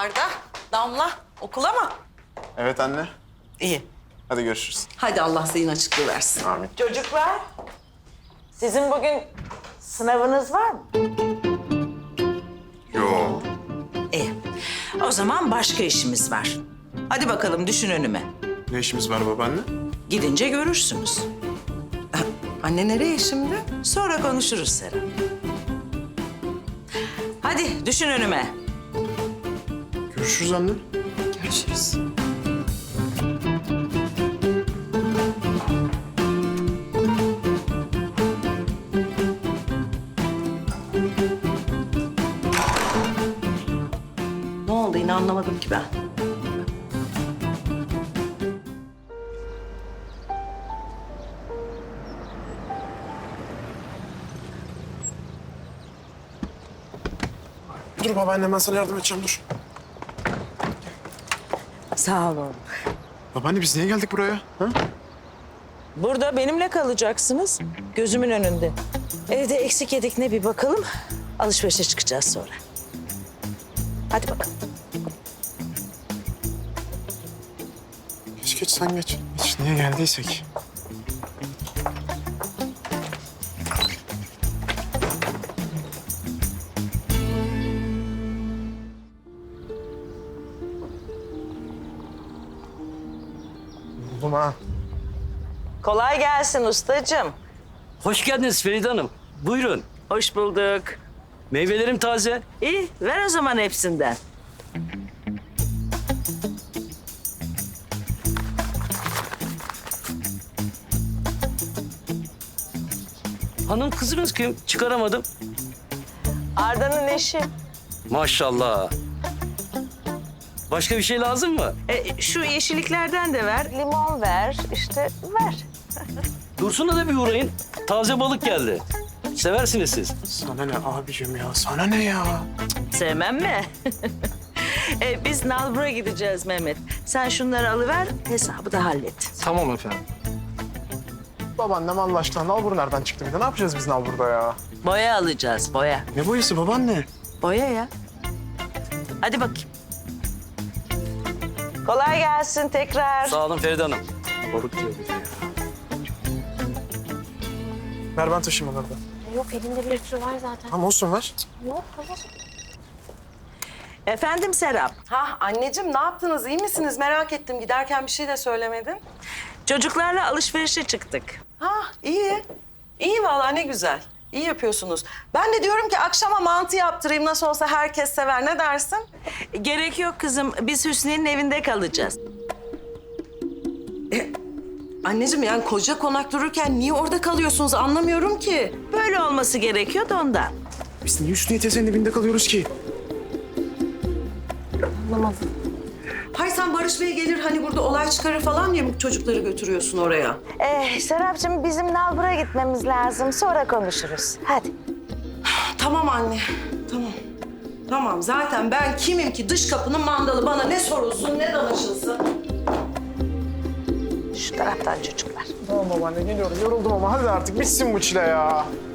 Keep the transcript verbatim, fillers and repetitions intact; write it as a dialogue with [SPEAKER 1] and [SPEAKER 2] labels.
[SPEAKER 1] Arda, Damla okula mı?
[SPEAKER 2] Evet anne.
[SPEAKER 1] İyi.
[SPEAKER 2] Hadi görüşürüz.
[SPEAKER 1] Hadi Allah zihin açıklığı versin.
[SPEAKER 2] Amin.
[SPEAKER 3] Çocuklar, sizin bugün sınavınız var mı?
[SPEAKER 2] Yok.
[SPEAKER 4] İyi. O zaman başka işimiz var. Hadi bakalım düşün önüme.
[SPEAKER 2] Ne işimiz var babaanne?
[SPEAKER 4] Gidince görürsünüz.
[SPEAKER 1] Anne nereye şimdi?
[SPEAKER 4] Sonra konuşuruz Serap. Hadi düşün önüme.
[SPEAKER 2] Görüşürüz anne.
[SPEAKER 1] Görüşürüz. Ne oldu yine anlamadım ki ben.
[SPEAKER 2] Dur babaanne ben sana yardım edeceğim dur.
[SPEAKER 4] Sağ olun.
[SPEAKER 2] Babaanne biz niye geldik buraya? Ha?
[SPEAKER 4] Burada benimle kalacaksınız. Gözümün önünde. Evde eksik yedik ne bir bakalım. Alışverişe çıkacağız sonra. Hadi bakalım.
[SPEAKER 2] Geç geç sen geç. Geç niye geldiysek. Buldum ha.
[SPEAKER 3] Kolay gelsin ustacığım.
[SPEAKER 5] Hoş geldiniz Feride Hanım. Buyurun.
[SPEAKER 4] Hoş bulduk.
[SPEAKER 5] Meyvelerim taze.
[SPEAKER 4] İyi, ver o zaman hepsinden.
[SPEAKER 5] Hanım kızınız kim? Çıkaramadım.
[SPEAKER 3] Arda'nın eşi.
[SPEAKER 5] Maşallah. Başka bir şey lazım mı?
[SPEAKER 4] E, şu yeşilliklerden de ver.
[SPEAKER 3] Limon ver, işte ver.
[SPEAKER 5] Dursun'a da bir uğrayın. Taze balık geldi. Seversiniz siz.
[SPEAKER 2] Sana ne abicim ya? Sana ne ya?
[SPEAKER 4] Sevmem mi? e, biz Nalbur'a gideceğiz Mehmet. Sen şunları alıver, hesabı da hallet.
[SPEAKER 2] Tamam efendim. Babaannem Allah aşkına nalbur nereden çıktı bir de? Ne yapacağız biz nalburda ya?
[SPEAKER 4] Boya alacağız, boya.
[SPEAKER 2] Ne boyası babaanne?
[SPEAKER 4] Boya ya. Hadi bakayım.
[SPEAKER 3] Kolay gelsin tekrar.
[SPEAKER 5] Sağ olun Feride Hanım.
[SPEAKER 2] Balık diyor bir de ya. Ver ben taşıyayım onları da.
[SPEAKER 6] Yok elinde bir sürü var zaten.
[SPEAKER 2] Tamam olsun ver.
[SPEAKER 6] Yok hayır.
[SPEAKER 4] Efendim Serap,
[SPEAKER 1] Ha anneciğim ne yaptınız? İyi misiniz? Merak ettim. Giderken bir şey de söylemedin.
[SPEAKER 4] çocuklarla alışverişe çıktık.
[SPEAKER 1] Ha iyi. İyi vallahi ne güzel. İyi yapıyorsunuz. Ben de diyorum ki akşama mantı yaptırayım. Nasıl olsa herkes sever. Ne dersin?
[SPEAKER 4] Gerek yok kızım, biz Hüsniye'nin evinde kalacağız.
[SPEAKER 1] Anneciğim yani koca konak dururken niye orada kalıyorsunuz anlamıyorum ki.
[SPEAKER 4] Böyle olması gerekiyor da ondan.
[SPEAKER 2] Biz niye Hüsniye teyzenin evinde kalıyoruz ki?
[SPEAKER 1] Hay sen Barış Bey gelir hani burada olay çıkarır falan diye mi çocukları götürüyorsun oraya?
[SPEAKER 6] Ee, Serapcığım bizim Nalbur'a gitmemiz lazım. Sonra konuşuruz. Hadi.
[SPEAKER 1] Tamam anne, tamam. Tamam zaten ben kimim ki dış kapının mandalı bana ne sorulsun ne danışılsın.
[SPEAKER 6] Şu taraftan çocuklar.
[SPEAKER 2] Tamam babaanne geliyorum. Yoruldum ama hadi artık bitsin bu çile ya.